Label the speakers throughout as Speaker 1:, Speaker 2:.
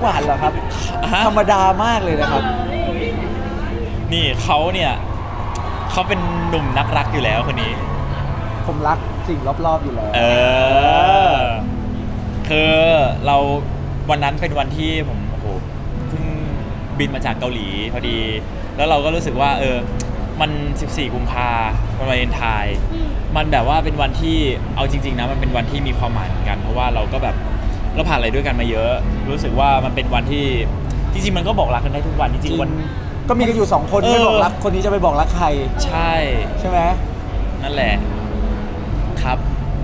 Speaker 1: หวานเหรอครับธรรมดามากเลยนะครับ
Speaker 2: นี่เขาเนี่ยเขาเป็นหนุ่มนักรักอยู่แล้วคนนี้
Speaker 1: ผมรักสิ่งรอบๆอยู่แล้ว
Speaker 2: คือเราวันนั้นเป็นวันที่ผมโอ้โหเพิ่งบินมาจากเกาหลีพอดีแล้วเราก็รู้สึกว่ามัน14 กุมภาพันธ์วันวาเลนไทน์มันแบบว่าเป็นวันที่เอาจริงๆนะมันเป็นวันที่มีความหมายเหมือนกันเพราะว่าเราก็แบบเราผ่านอะไรด้วยกันมาเยอะรู้สึกว่ามันเป็นวันที่จริงๆมันก็บอกรักกันได้ทุกวันจริงๆวัน
Speaker 1: ก็มีกันอยู่2 คนไม่บอกรักคนนี้จะไปบอกรักใคร
Speaker 2: ใช่
Speaker 1: ไหม
Speaker 2: นั่นแหละครับ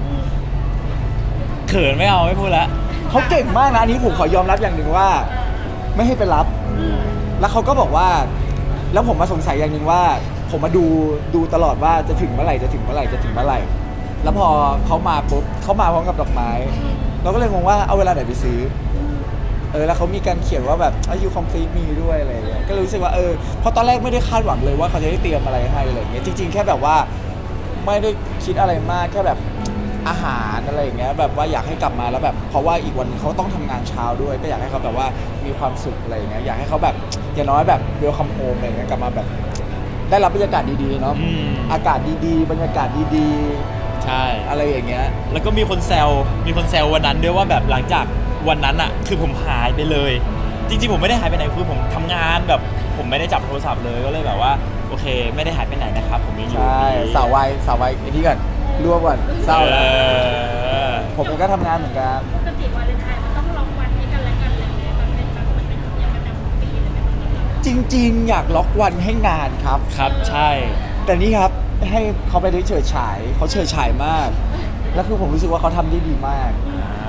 Speaker 2: เขินไม่เอาไม่พูดแล้ว
Speaker 1: เขาเก่งมากนะอันนี้ผมขอยอมรับอย่างหนึ่งว่าไม่ให้ไปรับแล้วเขาก็บอกว่าแล้วผมมาสงสัยอย่างหนึ่งว่าผมมาดูตลอดว่าจะถึงเมื่อไหร่แล้วพอเขามาปุ๊บเขามาพร้อมกับดอกไม้เราก็เลยงงว่าเอาเวลาไหนไปซื้อแล้วเขามีการเขียนว่าแบบyou complete me ด้วยอะไรอย่างเงี้ยก็รู้สึกว่าเพราะตอนแรกไม่ได้คาดหวังเลยว่าเขาจะได้เตรียมอะไรให้อะไรอย่างเงี้ยจริงๆแค่แบบว่าไม่ได้คิดอะไรมากแค่แบบอาหารอะไรอย่างเงี้ยแบบว่าอยากให้กลับมาแล้วแบบเพราะว่าอีกวันเขาต้องทำงานเช้าด้วยก็อยากให้เขาแบบว่ามีความสุขอะไรอย่างเงี้ยอยากให้เขาแบบอย่างน้อยแบบwelcome homeอะไรอย่างเงี้ยกลับมาแบบได้รับบรรยากาศดีๆเนาะอากาศดีๆบรรยากาศดี
Speaker 2: ๆใช่
Speaker 1: อะไรอย่างเงี้ย
Speaker 2: แล้วก็มีคนแซววันนั้นด้วยว่าแบบหลังจากวันนั้นอะคือผมหายไปเลยจริงๆผมไม่ได้หายไปไหนคือผมทำงานแบบผมไม่ได้จับโทรศัพท์เลยก็เลยแบบว่าโอเคไม่ได้หายไปไหนนะครับผมยังอยู่
Speaker 1: ใช่สาววัยไอ้นี่ก่อนรวมก่อนเศร้าแล้วผมก็ทำงานเหมือนกัน
Speaker 3: ปกติวาเลนไทน์มันต้องล็อกวันให้กันและกันอะไรอย่างเงี้ยมันเป็นแบบมันเป็นอย่างประจำของปีเลยไหม
Speaker 1: จริงๆอยากล็อกวันให้งานครับ
Speaker 2: ใช่
Speaker 1: แต่นี่ครับให้เขาไปได้เฉิดฉายเขาเฉิดฉายมากแล้วคือผมรู้สึกว่าเขาทำได้ดีมาก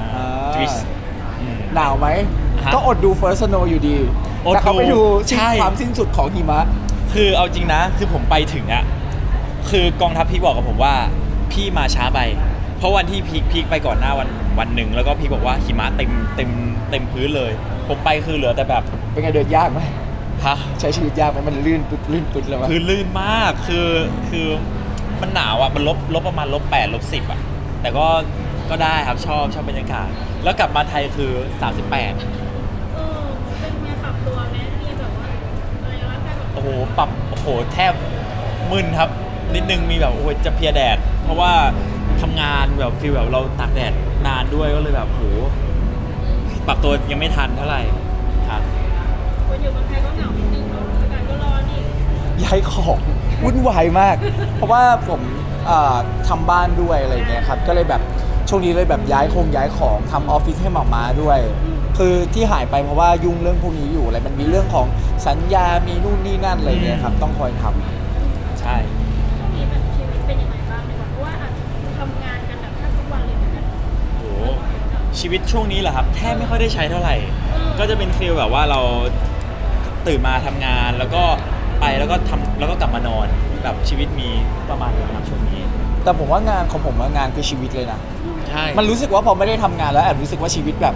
Speaker 1: หนาวไหมก็อดดู First Snow อยู่ดีแต่เขาไปดูความสิ้นสุดของหิมะ
Speaker 2: คือเอาจริงนะคือผมไปถึงอะคือกองทัพพี่บอกกับผมว่าพี่มาช้าไปเพราะวันที่พีคไปก่อนหน้าวันหนึ่งแล้วก็พี่บอกว่าหิมะเต็มพื้นเลยผมไปคือเหลือแต่แบบ
Speaker 1: เป็นไงเดินยากไหม
Speaker 2: ฮะ
Speaker 1: ใช้ชีวิตยากไหมมันลื่นปุ๊บเลย
Speaker 2: คือลื่นมากคือมันหนาวอ่ะมันลบประมาณ-8 -10อ่ะแต่ก็ได้ครับชอบบรรยากาศแล้วกลับมาไทยคือ38
Speaker 3: เป็นไงปรับตัวไหมมีแบบว่าอะไรวะการ
Speaker 2: โอ้โหปรับโอ้โหแทบมึนครับนิดนึงมีแบบโอ้โหจะเพลียแดดเพราะว่าทำงานแบบฟีลแบบเราตากแดดนานด้วยก็เลยแบบโหปรับตัวยังไม่ทันเท่าไหร่ครับ
Speaker 3: คนอยู่เมืองไทยก็เหงานิดนึงเนาะอากาศก็ร้อนอีก
Speaker 1: ย้ายของวุ่นวายมากเพราะว่าผมทำบ้านด้วยอะไรอย่างเงี้ยครับก็เลยแบบช่วงนี้เลยแบบย้ายของทำออฟฟิศให้หมาม้าด้วยคือที่หายไปเพราะว่ายุ่งเรื่องพวกนี้อยู่อะไรมันมีเรื่องของสัญญามีนู่นนี่นั่นอะไรเงี้ยครับต้องคอยท
Speaker 2: ำใช่
Speaker 3: ช่วงนี้แบบชีวิตเป็นยังไงบ้างดีกว่าเพราะว่าทำงานกันแบบแทบทุกวันเลยเหมือนกัน
Speaker 2: โอ้ชีวิตช่วงนี้เหรอครับแทบไม่ค่อยได้ใช้เท่าไหร่ก็จะเป็นฟีลแบบว่าเราตื่นมาทำงานแล้วก็ไปแล้วก็กลับมานอนแบบชีวิตมีประมาณนี้ครับช่วงนี้
Speaker 1: แต่ผมว่างานของผมงานคือชีวิตเลยนะ
Speaker 2: ใช่
Speaker 1: มันรู้สึกว่าพอไม่ได้ทำงานแล้วแอบรู้สึกว่าชีวิตแบบ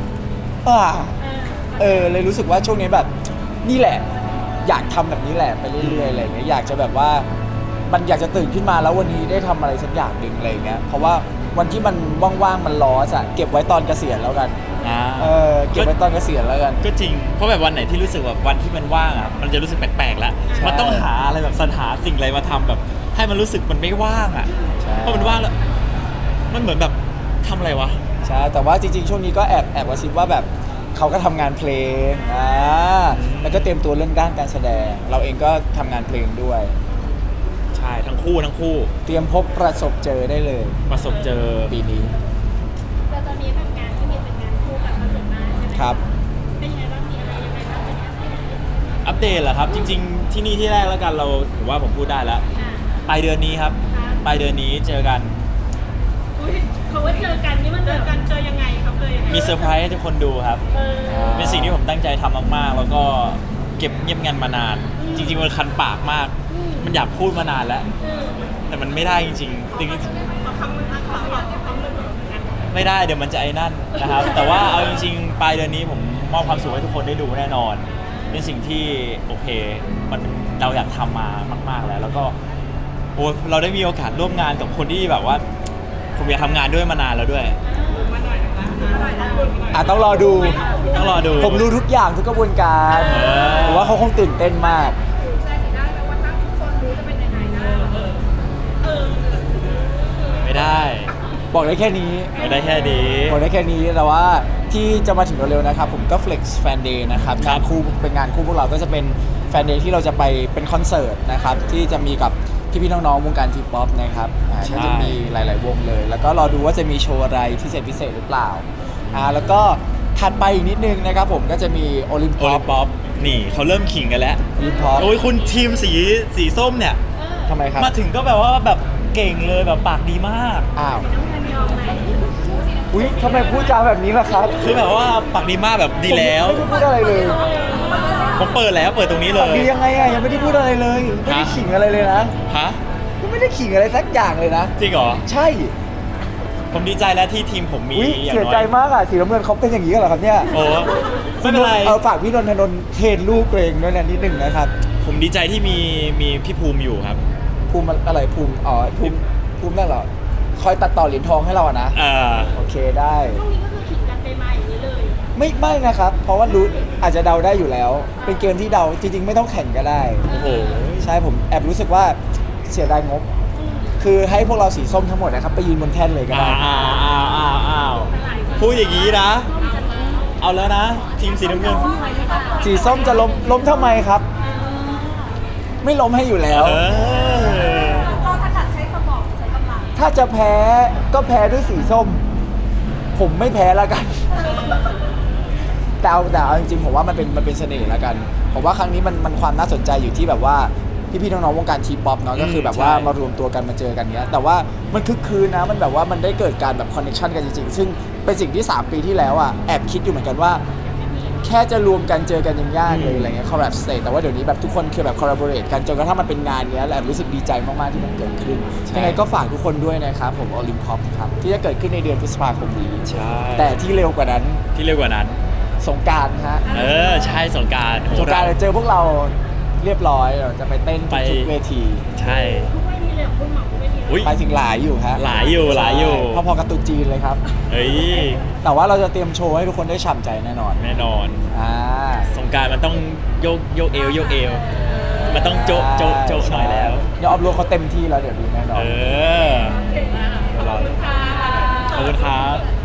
Speaker 1: เลยรู้สึกว่าช่วงนี้แบบนี่แหละอยากทำแบบนี้แหละไปเรื่อยๆอะไรเงี้ยอยากจะแบบว่ามันอยากจะตื่นขึ้นมาแล้ววันนี้ได้ทำอะไรสักอย่างหนึ่งอะไรเงี้ยเพราะว่าวันที่มันว่างๆมันล้ออะเก็บไว้ตอนเกษียณแล้วกันเก็บไว้ตอนเกษียณแล้วกัน
Speaker 2: ก็จริงเพราะแบบวันไหนที่รู้สึกแบบวันที่มันว่างอ่ะมันจะรู้สึกแปลกๆแล้วมันต้องหาอะไรแบบสรรหาสิ่งอะไรมาทำแบบให้มันรู้สึกมันไม่ว่างอ่ะเพราะมันว่างแล้วมันเหมือนแบบทำอะไรวะ
Speaker 1: ใช่แต่ว่าจริงๆช่วงนี้ก็แอบกระซิบว่าแบบเขาก็ทำงานเพลงแล้วก็เตรียมตัวเรื่องด้านการแสดงเราเองก็ทำงานเพลงด้วย
Speaker 2: ใช่ทั้งคู่
Speaker 1: เตรียมพบประสบเจอได้เลย
Speaker 2: ประสบเจอ
Speaker 1: ปีนี้
Speaker 3: แต่ตอนนี้แบบงานที่มีเป็นงานคู่กับประสบการณ์ใช่ไหม
Speaker 1: ครับ
Speaker 3: เป็นยังไงบ้างมีอะไรยังไงบ้างเป็น
Speaker 2: อัปเดตเหรอครับจริงๆที่นี่ที่แรกแล้วกันเราถือว่าผมพูดได้แล้วปลายเดือนนี้ครับปลายเดือนนี้เจอกัน
Speaker 3: เขาว่าเจอกันนี่มันเจอกันเจอยังไงครับเลย
Speaker 2: มีเซอร์ไพรส์ให้ทุกคนดูครับเป็นสิ่งที่ผมตั้งใจทำมากๆแล้วก็เก็บเงียบงันมานานจริงๆมันคันปากมากมันอยากพูดมานานแล้วแต่มันไม่ได้จริงๆไม่ได้เดี๋ยวมันจะไอ้นั่นนะครับแต่ว่าเอาจริงๆปลายเดือนนี้ผมมอบความสุขให้ทุกคนได้ดูแน่นอนเป็นสิ่งที่โอเคมันเราอยากทำมามากๆแล้วก็โอ้เราได้มีโอกาสร่วมงานกับคนที่แบบว่าผมอยากทำงานด้วยมานานแล้วด้วย
Speaker 1: ต้องรอดู
Speaker 2: ต้องรอดู
Speaker 1: ผมรู้ทุกอย่างทุกกระบวนการ
Speaker 2: เออ
Speaker 1: ผมว่าเขาคงตื่นเต้นมาก
Speaker 4: แสดงสีหน้าแล้วว่าถ้าทุกคนรู้จะเป็นยังไงนะ
Speaker 2: ไม่ได้
Speaker 1: บอกได้แค่นี้
Speaker 2: ไม่ได้แค่นี้
Speaker 1: บอกได้แค่นี้แต่ว่าที่จะมาถึงเร็วๆนะครับผมก็ Flex Fan Day นะครับ
Speaker 2: ครั
Speaker 1: งา
Speaker 2: บ
Speaker 1: นคู่เป็นงานคู่พวกเราก็จะเป็นแฟนเดย์ที่เราจะไปเป็นคอนเสิร์ตนะครับที่จะมีกับพี่ๆน้องๆวงการทีป๊อปนะครับก็จะมีหลายๆวงเลย แล้วก็รอดูว่าจะมีโชว์อะไรพิเศษหรือเปล่าแล้วก็ถัดไปอีกนิดนึงนะครับผมก็จะมีโอลิม
Speaker 2: โอ
Speaker 1: ป๊อ
Speaker 2: ลิ
Speaker 1: ป
Speaker 2: มป๊อปนี่เขาเริ่มขิงกันแล้ว
Speaker 1: โอลิมป๊อป
Speaker 2: โอ้ยคุณทีมสีส้มเนี่ย
Speaker 1: ทำไมครับ
Speaker 2: มาถึงก็แบบว่าแบบเก่งเลยแบบปากดีมาก
Speaker 1: อ้าว
Speaker 3: น้ำเงินยอมไหม
Speaker 1: อุ้ยทำไมพูดจาแบบนี้ล่ะครับ
Speaker 2: คือแบบว่าปากดีมากแบบดีแล้ว
Speaker 1: ผมไม่ได้พูดอะไรเลย
Speaker 2: ผมเปิดแล้วเปิดตรงนี้เล
Speaker 1: ปาก
Speaker 2: ย
Speaker 1: ดียังไงอะยังไม่ได้พูดอะไรเลยไม่ได้
Speaker 2: ฮะ
Speaker 1: ขิงอะไรเลยนะ
Speaker 2: ฮะ
Speaker 1: ยังไม่ได้ขิงอะไรสักอย่างเลยนะ
Speaker 2: จริงเหรอ
Speaker 1: ใช่
Speaker 2: ผมดีใจแล้วที่ทีมผมมี
Speaker 1: อุ๊ย
Speaker 2: อย่าง
Speaker 1: เสีย
Speaker 2: น้อ
Speaker 1: ใจ
Speaker 2: ย
Speaker 1: มากอ่ะสีน้ำเงินเขาเป็นอย่างนี้กันเหรอครับเนี่ย
Speaker 2: โอ้ไม่เป็นไร
Speaker 1: ฝากพี่นนทนนท์เทรนลูกตัวเองด้วยนะนิดหนึ่งนะครับ
Speaker 2: ผมดีใจที่มีพี่ภูมิอยู่ครับ
Speaker 1: ภูมิอะไรภูมิภูมินั่นเหรอคอยตัดต่อเหรียญทองให้เราอะนะ โอเคได้
Speaker 3: ช่วงนี้ก็คือขิงกันไปมาอย่างนี้เลย
Speaker 1: ไม่นะครับ เพราะว่ารู้อาจจะเดาได้อยู่แล้ว เป็นเกมที่เดาจริงๆ ไม่ต้องแข่งก็ได้
Speaker 2: โอ้โห
Speaker 1: ใช่ผมแอบรู้สึกว่าเสียดายงบ คือให้พวกเราสีส้มทั้งหมดนะครับไปยืนบนแท่นเลยก็ได้
Speaker 2: อ้าวพูดอย่างนี้นะ เอาแล้วนะ ทีมสีน้ำเงิน
Speaker 1: สีส้มจะล้มทำไมครับ ไม่ล้มให้อยู่แล้ว
Speaker 2: เออ
Speaker 4: เราถนัดใช้สมองใช้กำลัง
Speaker 1: ถ้าจะแพ้ก็แพ้ด้วยสีส้ม ผมไม่แพ้แล้วกัน แต่เอาจริงๆผมว่ามันเป็นเสน่ห์แล้วกัน ผมว่าครั้งนี้มันความน่าสนใจอยู่ที่แบบว่าพี่ๆน้องๆวงการทีป๊อปเนาะก็คือแบบว่า
Speaker 2: ใช่
Speaker 1: มารวมตัวกันมาเจอกันเนี้ย แต่ว่ามันคึกคืนนะมันแบบว่ามันได้เกิดการแบบคอนเนคชันกันจริงๆ ซึ่งเป็นสิ่งที่ 3 ปีที่แล้วอ่ะแอบคิดอยู่เหมือนกันว่า แค่จะรวมกันเจอกันยังยากเลยอะไรเงี้ยคอลแลบสเตจแต่ว่าเดี๋ยวนี้แบบทุกคนคือแบบคอลลาบอร์เรทกันจนกระทั่งมันเป็นงานเนี้ยแหละรู้สึกดีใจมากๆที่มันเกิดขึ้นยังไงก็ฝากทุกคนด้วยนะครับผมโอลิมพอปครับที่จะเกิดขึ้นในเดือนพฤษภาคมนี้
Speaker 2: ใช่
Speaker 1: แต่ที่เร็วกว่านั้น
Speaker 2: ที่เร็วกว่านั้น
Speaker 1: สงกรารฮะ
Speaker 2: ใช่สงกราร
Speaker 1: สงกรารเจอพวกเราเรียบร้อยเราจะไปเต้น
Speaker 2: ไป
Speaker 1: ทุกเวที
Speaker 2: ใช่
Speaker 3: ทุกเวทีเลยเหรอคุณหมอทุกเวทีเลย
Speaker 2: อุ๊ย
Speaker 1: ไปถึงหลายอยู่ฮะ
Speaker 2: หลายอยู่หลายอยู่
Speaker 1: ใช่พอๆกับตุ๊จีนเลยครับ
Speaker 2: เฮ้ย
Speaker 1: แต่ว่าเราจะเตรียมโชว์ให้ทุกคนได้ฉ่ำใจแน่นอน
Speaker 2: แน่นอน
Speaker 1: อ่า
Speaker 2: สงกรารมันต้องโยกเอว มันต้องโจะหน่อยแล้ว
Speaker 1: เดี๋ยวออฟโรดเขาเต็มที่แล้วเดี๋ยวดูแน่นอน
Speaker 2: เออ
Speaker 3: เก่งมากขอบคุณค่ะ
Speaker 2: ขอบคุณครับ